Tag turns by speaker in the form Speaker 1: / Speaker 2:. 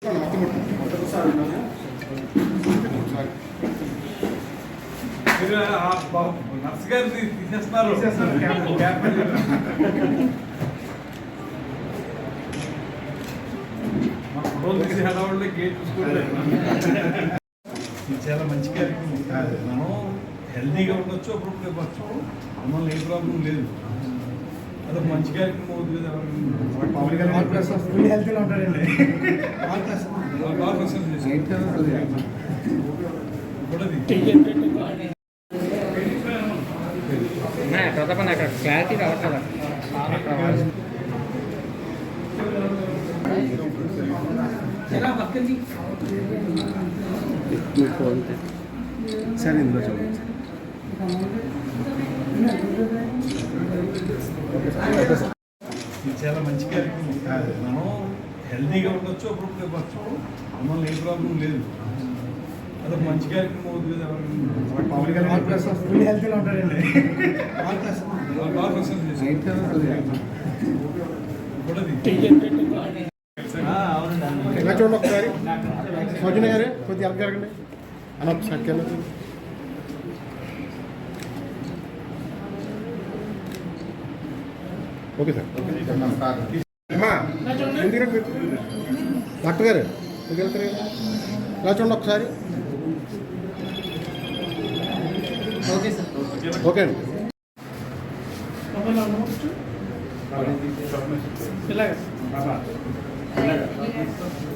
Speaker 1: Nurse గారిని తీసేస్తున్నారు. మా ఫోటోలు తీసి హడావుల్లో గేట్ చూసుకోలేదు. ఇది చాలా మంచి కార్యక్రమం. మనం హెల్తీగా ఉండొచ్చు, అప్పుడు ఇవ్వచ్చు. మమ్మల్ని ఏ ప్రాబ్లం లేదు. అదొక మంచి కార్యక్రమం అవుతుంది కదా.
Speaker 2: ఫుల్ హెల్తీగా ఉంటారండి.
Speaker 1: బాగా ప్రసన్న చేసి
Speaker 3: ప్రతాపన్న అక్కడ క్లారిటీ రావట్లేదు.
Speaker 2: సరే ఇందులో చూడండి.
Speaker 1: ఇది చాలా మంచి కార్యక్రమం. మనం హెల్తీగా ఉండొచ్చు, అప్పుడు ఇవ్వచ్చు. మమ్మల్ని ఏ ప్రాబ్లం లేదు. అదొక మంచి కార్యక్రమం అవుతుంది కదా.
Speaker 2: ఫుల్ హెల్తీగా ఉంటారండి.
Speaker 1: బాగా ప్రసన్న చేసి
Speaker 2: ఇలా చూడండి ఒకసారి. సౌజన్య గారు కొద్దిగా ఎలా జరగండి అని ఒకసారి. Okay sir. ఎందుకంటే డాక్టర్ గారు ఎందుకు వెళ్తారు కదా. ఇలా చూడండి ఒకసారి.
Speaker 3: Okay sir.
Speaker 2: ఓకే అండి.
Speaker 3: ఇలాగ